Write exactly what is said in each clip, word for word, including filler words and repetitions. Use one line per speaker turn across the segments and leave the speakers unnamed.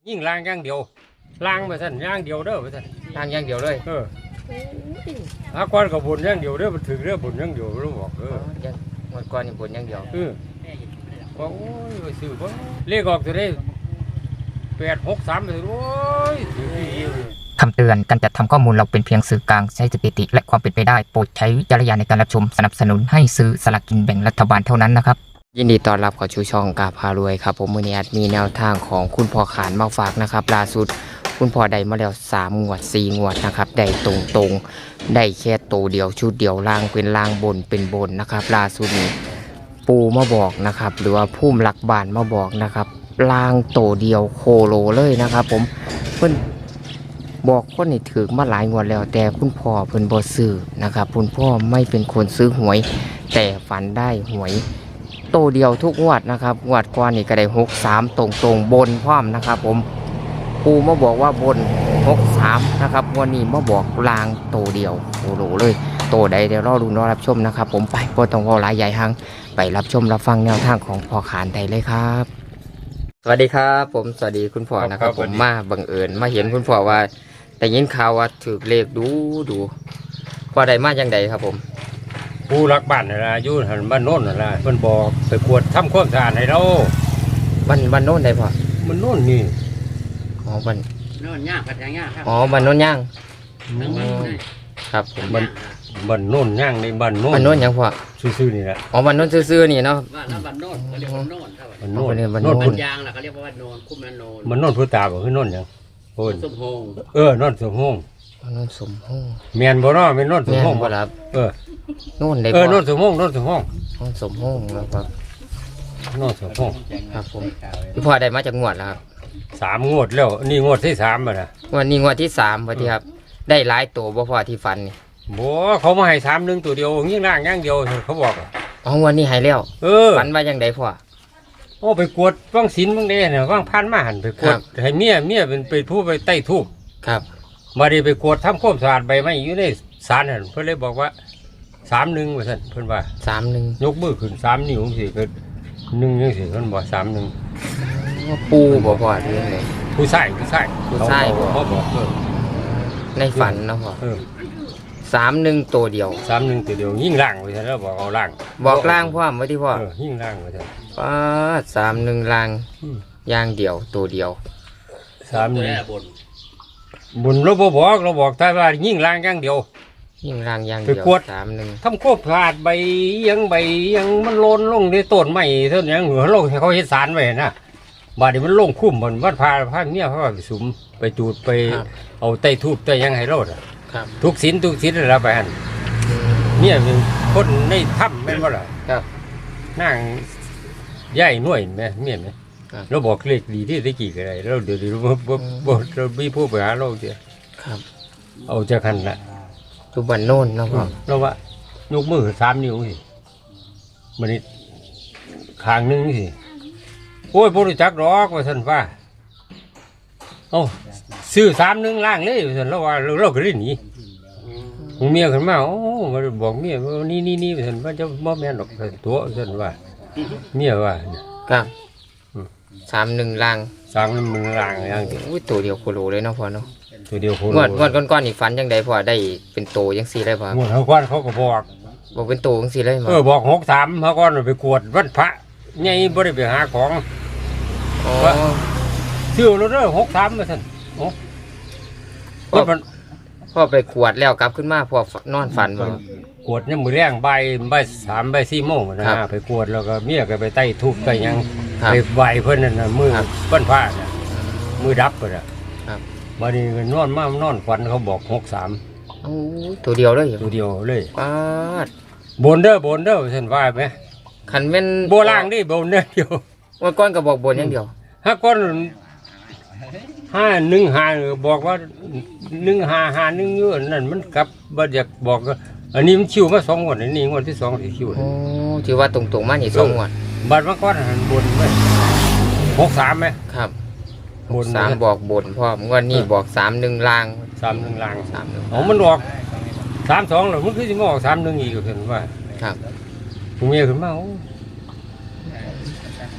ยิ่งล่างอย่างเดียวล่างไปสั่นอย่างเดียวเด้อไปสั่น
ล่างอย่างเดียวเลย
เอออาก้อนกับบนอย่างเดียวเด้อมันถึงเด้อบนอย่างเดียวรู้บอกเออ
ยังหมดก้อนนี่บนอย่างเดียว
เออว่าโอ้ยไปซื้อบ่เลขออกจะได้แปดหกสามไปโอ้ยถือดี
คำเตือนการจัดทำข้อมูลเราเป็นเพียงสื่อกลางใช้สถิติและความเป็นไปได้โปรดใช้วิจารณญาณในการรับชมสนับสนุนให้ซื้อสลากกินแบ่งรัฐบาลเท่านั้นนะครับยินดีต้อนรับเข้าสู่ช่องกาพารวยครับผมมือนี้มีแนวทางของคุณพ่อขานมาฝากนะครับล่าสุดคุณพ่อได้มาแล้วสามงวดสี่งวดนะครับได้ตรงตรงได้แค่ตัวเดียวชุดเดียวล่างเป็นล่างบนเป็นบนนะครับล่าสุดนี้ปูมาบอกนะครับหรือว่าผู้หลักบานมาบอกนะครับล่างตัวเดียวโคโลเลยนะครับผมเพิ่นบอกคนนี่ถือมาหลายงวดแล้วแต่คุณพ่อเพิ่นบ่ซื้อนะครับคุณพ่อไม่เป็นคนซื้อหวยแต่ฝันได้หวยโตเดียวทุกงวดนะครับงวดก่อนนี่ก็ได้หกสามตรงตรงบนพร้อมนะครับผมปูมาบอกว่าบนหกสามนะครับวันนี้มาบอกลางโตเดียวโอ้โหเลยโตใดเดี๋ยวรอดูรอรับชมนะครับผมไปบ่ต้องรอหลายใหญ่หังไปรับชมรับฟังแนวทางของพ่อขานได้เลยครับสวัสดีครับผมสวัสดีคุณพ่อนะครับผมมาบังเอิญมาเห็นคุณพ่อว่าแต่ยินข่าวว่าถือเลขดูดูพอได้มาจังใดครับผม
ผู้รักบ้านน่ะล่ะอยู่หันบ้านโน่นน่ะล่ะเพิ่นบอกไปกวดทำความสะอาดให้เรา
บ้านบ้านโน่นได้พ่อ
มันโน่นนี่
อ๋อบ้าน
โน่นย่างพัดย่างครับ
อ๋อบ้านโน่นย่างครับผม
บ้านบ้านโน่นย่างในบ้านโน่น
บ้านโน่นยังพ่อ
ซื่อๆนี่แหละ
อ๋อบ้านโน่นซื่อๆนี่เนาะ
บ้านแล้วบ้านโน่นเขาเรียกว่าโน่นเท่าไหร่
บ้านโน่น
บ้านโน่น
บ้านยางล่ะเขาเรียกว่าบ้านโน่นคุ้มบ้านโน่น
มันโน่นพุตาบ่คือโน่นหยัง
โอ้ยสมพง
เออโน่นสมพง
โน่นสมพง
แม่นบ่เนาะแม่นโน่นสมพง
บ่ครับ
เออ
โน่นได้
เออโน่นสมพงโน่นสมพง
โน่นสมพงแล้วครับ
โน่นสมพง
ครับผมพี่พ่อได้มาจากงวดแล้วครับ
สามงวดแล้วนี่งวดที่สามแล้วนะ
งวดนี้งวดที่สามพอดีครับได้หลายตัวบ่พ่อที่ฟันนี่
บ่เขามาให้สามหนึ่งตัวเดียวยิ่งล่างอย่างเดียวเขาบอก
อ๋องวดนี้ให้แล้ว
เออ
ฟันว่าจังไดพ่อ
โอ้ไปกวดว่างศิลป์ว่างเด้เนี่ยว่างพันมาหันไปกวดให้เมียเมียเป็นไปผู้ไปใต้ทูบ
ครับ
มาดีไปกวดทำความสะอาดใบไม้อยู่ในศาลนั่นเพิ่นเลยบอกว่าสามหนึ่งว่าซั่นเพิ่นว่า
สามหนึ่ง
ยกมือขึ้นสามนิ้วสิก็หนึ่งยังสิเพิ่นบอกสามหนึ่ง
ปูบ่พ่อหรือยังไง
ผู้ชายผู้ชาย
ผู้ชาย
บ่บอกเออ
ในฝันเนาะพ่อ
เออ
สามหนึ่งตัวเดียว
สามหนึ่งตัวเดียวยิ่งล่างว่าซั่นแล้วบอกเอาล่าง
บอกล่างพ่อไว้ที่พ่อ
เออยิ่งล่างว่าซั่น
ป้าสามหนึ่งล่างย่างเดียวตัวเดียว
สามหนึ่งบุญเราบอกเราบอกแต่ว่ายิ่งล่างอย่างเดียว
ยิ่งล่างอย่างเดียวสามหนึ่ง
ทำควบขาดใบยังใบยังมันโลนลงในต้นไม้เท่านี้เหนือโลกเขาเฮ็ดสารไว้นะบาดนี้มันลงคุ้มมันวัดพาพาเมียเขาไปสุมไปจูดไปเอาไต้ทูบไต้ยังให้รอดทุกสินทุกสินแล้วไปหันเนี่ยเป็นคนในถ้ำแม่นว่าล่ะนั่งย่ายน่วยแม่เมียไหมเราบอกเลขดีที่ได้กี่กันไรเราเดี๋ยวเดี๋ยวเราไม่พูดไปหาเราเดียวเอาจากขันละ
ทุบันโน่นนะพ่อ
เราว่ายกมือสามนิ้วสิมันนี่ขางนึงสิโอ้ยบริจักรอกว่าสันว่าโอ้ซื้อสามนึงล่างเลยว่าสันเราว่าเราเราก็ได้หนีเมียขึ้นมาโอ้มาบอกเมียว่านี่นี่นี่ว่าสันว่าจะมอบแม่ดอกตัวสันว่าเมียว่า
ครับสามหนึ่งล่าง
สามหนึ่งล่างอย่างเดียว
ตัวเดียวโคโลเลยเนาะพ่อเนาะ
ตัวเดียวโคโล
งวดงวดก้อนๆอีกฟันยังไงพ่อได้เป็นโตยังสี่ได้พ่อง
วดเขาก้อนเขาก็บอก
บอกเป็นโตยังสี่ได้
เออบอกหกสามเขาก้อนไปกวดวัดพระไงบ่ได้ไปหาของว่าชื่อเราเด้อหกสามมาท่านโอ้
พ่อพ่อไปขวดแล้วกลับขึ้นมาพ่อนอนฝันว่
ากวดเนี่ยมือแรงใบใบสามใบสี่โมงนะไปกวดแล้วก็เมียก็ไปไต่ทุบไต่ยังไปใบเพิ่นนั่นนะมือปั้นผ้าเนี่ยมือดับไปละมาดีก็นอนมากนอนฝันเขาบอกหกสาม
ตัวเดียวเลย
ตัวเดียวเลย
ป้า
บนเด้อบนเด้อเส้นว่าไหม
ขันเป็น
โบล่างดิบนเด้อเดียว
ว่าก้อนก็บอกบนอย่างเดียว
ห้าก้อนห้าหนึ่งห้าบอกว่าหนึ่งห้าห้าหนึ่งเยอะนั่นมันกลับบัดอยากบอกอันนี้มันคิวมาสองงวดอันนี้งวดที่สองที่คิว
โอ้ถือว่าตรงๆมาอย่างสองงวด
บัดมาก้อนหันบนไหมหกสามไหม
ครับบนสามบอกบนพ่อเมื่อนี่บอกสามหนึ่งล่าง
สามหนึ่งล่าง
สามหนึ่ง
อ๋อมันบอกสามสองหรอมันคือจะมาออกสามหนึ่งอีกเห็นว่า
ครับ
ผมเมียขึ้นมา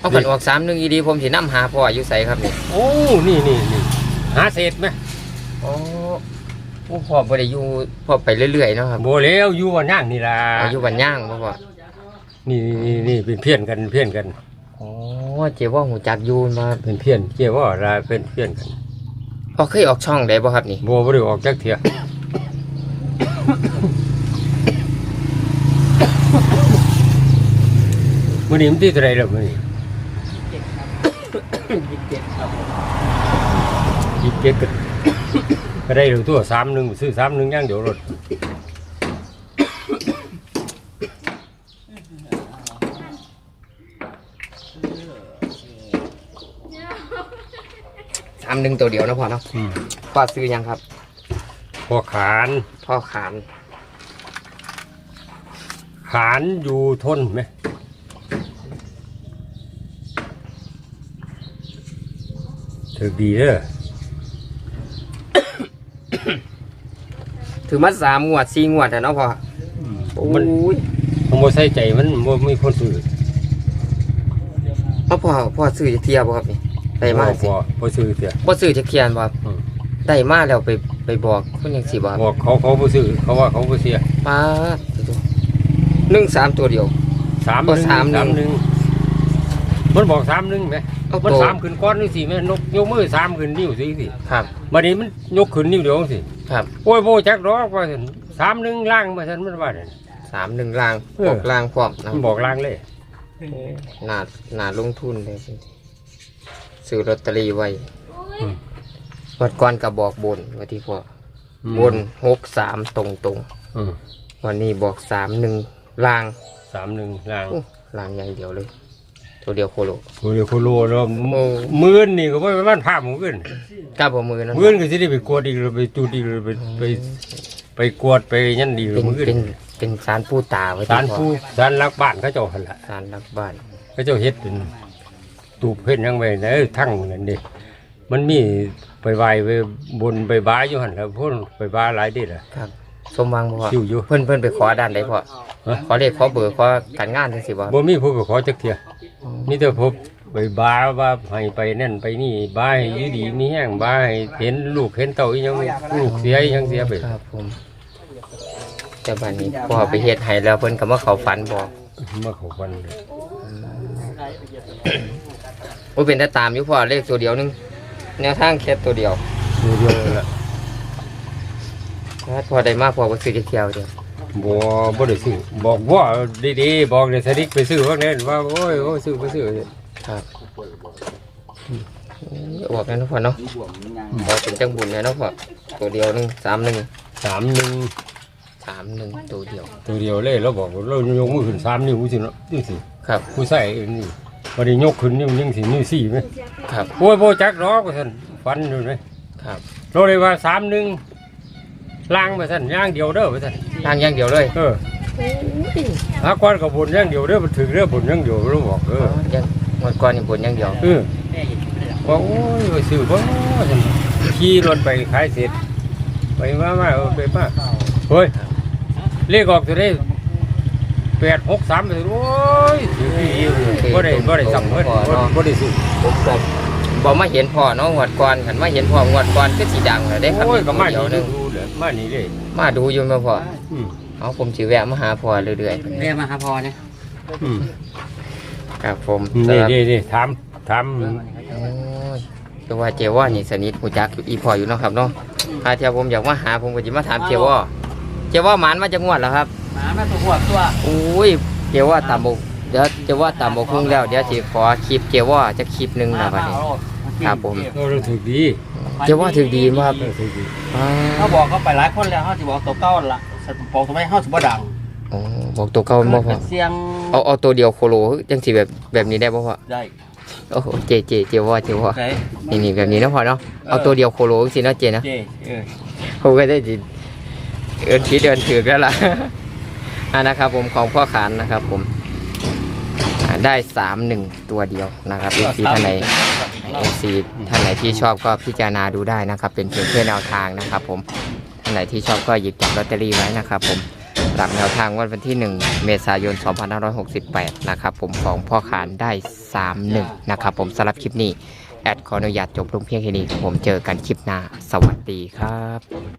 เอาขันออกสามหนึ่งอีดีผมสินำหาพ่ออยู่ไสครับนี่
โอ้นี่นี่นี่หาเศษไหม
โอ้โอ้พ่อบ่ได้อยู่พ่อไปเรื่อยๆเนาะครับ
โบแล้วอยู่วันย่างนี่ล่ะ
อายุวันย่างบ่พ่อ
นี่นี่นี่เป็นเพี้ยนกันเพี้ยนกัน
โอ้เจ๊ว่าหูจักอยูนมา
เป็นเพี้ยนเกี่ยวว่าเราเป็นเพี้ยนกัน
พ่อเคยออกช่องได้บ่ครับนี่
โบไม่ได้ออกจากเถียมื่อนี้มันที่อะไรล่ะมื่อนี้ยี่สิบเจ็ดก็ก็ได้ตัวสามหนึ่งซื้อสามหนึ่งย่างเดี๋ยวรถ
สามหนึ่งตัวเดียวนะพ่อเนาะพ่อซื้อยังครับ
พอขาน
พ่อขาน
ขานอยู่ทนไหมถือดีเด้อ
ถือมาสามงวดสี่งวดแต่เนาะพ่อโอ้
มัน
ย
มันโมใส่ใจมันโมมีคนซื้อ
เอาพ่อพ่อซื้อจะเทียบบ่ครับนี่ได้มาสิ
พอพอซื้อเสีย
บ่ซื้อจะเทียนบ่ครับ
อืม
ได้มาแล้วไปไปบอกคนยังสิบ่ครับ
บอกเขาเขาบ่ซื้อเขาว่าเขาบ่เสีย
มาหนึ่งสามตัวเดียว
สามหนึ่ง
สามหนึ่ง
สามหนึ่งมันบอกสามหนึ่งไหม
เอา
มัน
ตัว
สามขึ้นก้อนนี่สิแม่นกยกมือสามขึ้นนิ้วสิสิ
ครับ
บัดนี้มันยกขึ้นนิ้วเดียวสิ
ครับ
โอ้ยโบจักดอกว่าซั่นสามหนึ่งล่างมาซั่นมันว่าเนี่ย
สามหนึ่งลาง
เออ
บอกลางพร้อมนะ
มันบอกล่างเลย
หนาหนาลงทุนเลยซื้อลอตเตอรี่ไว้
อืม
วัดก่อนกับบอกบนว่าที่พ่อ
อืม
บนหกสามตรงตรง
อืม
ๆวันนี้บอกสามหนึ่งลาง
สามหนึ่งล่าง
อู้ลางอย่างเดียวเลย ตัวเดียวโคโล
โอ้ยโคโลแล้ว
โอ้
มื่นนี่ก็บ่มันภาพหมู่ขึ้น
กล้าบอกมือนะ
มื่นก็สิได้ไปกวดอีกหรือไปจูดอีกหรือไปไปไปกวดไปยันดีหรื
เป็
อน มื้อขึ้น
เป็นเป็นสารผู้ตาไว้
ศาล
ที่พ่อ
ผู้ศาลรักบ้านเขาเจ้าหั่นล่ะ
สารรักบ้าน
เขาเจ้าเฮ็ดเป็นตูบเฮ็ดหยังไว้นะเอ้ยทั้งนั่นดิมันมีไปไหว้ไปบนไปบ้าอยู่หั่นแล้วพุ่นไปบ้าหลายเดิล่ะ
ครับ สมหวังบ่พ่อ
คิวอยู่
เพิ่นเพิ่นไปขอด้านใดพ่อ
ฮะ
ขอเลขขอเบอร์ขอการงานจังซี่บ่
บ่มีผู้ไปขอจักเที่ยมีแต่พบไปบ้าว่าให้ไปนั่นไปนี่บ้าให้อยู่ดีมีแห้งบ้าให้เห็นลูกเห็นเต้าอีหยังลูกเสียอีหยังเสียไป
ครับผมแต่บัดนี้พ่อไปเฮ็ดให้แล้วเพิ่นก็มาเข้าฝันบอก
มาเข้าวันเลย
โอ้เป็นแต่ตามอยู่พ่อเลขตัวเดียวหนึงแนวทางแค่ตัวเดียว
เดียวๆล่ะ
ถ้าพอได้มาพอก็ซื้อจะเที่ยวเดียว
บ่บ่ได้ซื้อบอกว่าดีๆบอกได้สนิทไปซื้อว่าแน่นว่าโอ้ยโอ้ยซื้อไปซื้อ
ครับออกแล้วเนาะพ่อเนาะพอเป็นจังบุญเลยเนาะพ่อตัวเดียวหนึงสามหนึ่ง
สามหนึ่ง
สามหนึ่งตัวเดียว
ตัวเดียวเลยเราบอกว่าเรายกมือขึ้นสามนิ้วสิเนาะนี่สิ
ครับ
ผู้ใส่เองนี่วันนี้ยกขึ้นนิ้วยังสินิ้วสี่ไหม
ครับ
โอ้ยโบจักดอกว่าท่านฟันอยู่ไหม
ครับ
เราเลยว่าสามหนึ่งล่างมาท่านย่างเดียวเด้อว่าท่าน
ทางอย่างเดียวเลย
เออหากวันกับบนย่างเดียวเด้อมันถึงเด้อบนย่างเดียวเราบอกเออ
ยังหมดก่อนนี่บุญอย่างเดียว
เออว่าโอ้ยไปซื้อบ่ท่านขี่รถไปขายเสร็จไปมามาเออไปมาเฮ้ยเลขออกตัวได้แปดหกสามเลยโอ้ยถือดีบ่ได้บ่ได้สั่งเพิ่นบ่บ่ได้ซื้อ
ผมก็บอกมาเห็นพ่อเนาะงวดก่อนขันมาเห็นพ่องวดก่อนก็สีดังเลยได้ครับ
โอ้ยก็มา
เดียวหนึง
ดูเลยมานี่เลย
มาดูอยู่มาพ่อ
อืม
เอาผมสิแวะมาหาพ่อเรื่อย
เรียกมาหาพอเนี่ย
อืม
ๆครับผม
นี่
สำหรับ
นี่นี่ถามถาม
โอ้ยแต่ว่าเจว่านี่สนิทหูจักอยู่อีพ่ออยู่เนาะครับเนาะถ้าเทียผมอยากมาหาผมก็จะมาถามเจว่าเจว่าหมานมาจากงวดแล้วครับ
หมามาตัวหัวตัว
โอ้ยเจว่าตามบกเดี๋ยวเจว่าตามบกคุ้งแล้วเดี๋ยวสิขอคลิปเจว่าจะคลิปหนึงนะบัดนี้ ครับผม
เราเราถูกดี
เจว่าถือดีมาก
เราถูกดี
อ่า
เขาบอกเขาไปหลายคนแล้วเขาจะบอกตัวเก้าละบอกทำไมเขาสิบ่ดัง
โอ้บอกตัวเก่าบ่พ่อ
เสียง
เอาเอาตัวเดียวโคโลจังสิแบบแบบนี้ได้บ่พ่อ
ได้
โอ้โหเจเจเจว่าเจว่า
ไหน
นี่นี่แบบนี้เนาะพ่อเนาะเอาตัวเดียวโคโลสิเนาะเจนะ
เจเออ
ผมก็ได้จิเอินคิดเดินถือแล้วล่ะ อ่านะครับผมของพ่อขานนะครับผมอ่าได้สามหนึ่งตัวเดียวนะครับเอฟซีท่านไหนเอฟซีท่านไหนที่ชอบก็พิจารณาดูได้นะครับ เป็นเพียงแค่แนวทางนะครับ ผมท่านไหนที่ชอบก็หยิบจับลอตเตอรี่ไว้นะครับ ผมำหรับแนวทางวันที่หนึ่งเมษายนสองพันห้าร้อยหกสิบแปดนะครับผมของพ่อขานได้สามหนึ่งนะครับผมสำหรับคลิปนี้แอดขออนุญาตจบลงเพียงแค่นี้ครับผมเจอกันคลิปหน้าสวัสดีครับ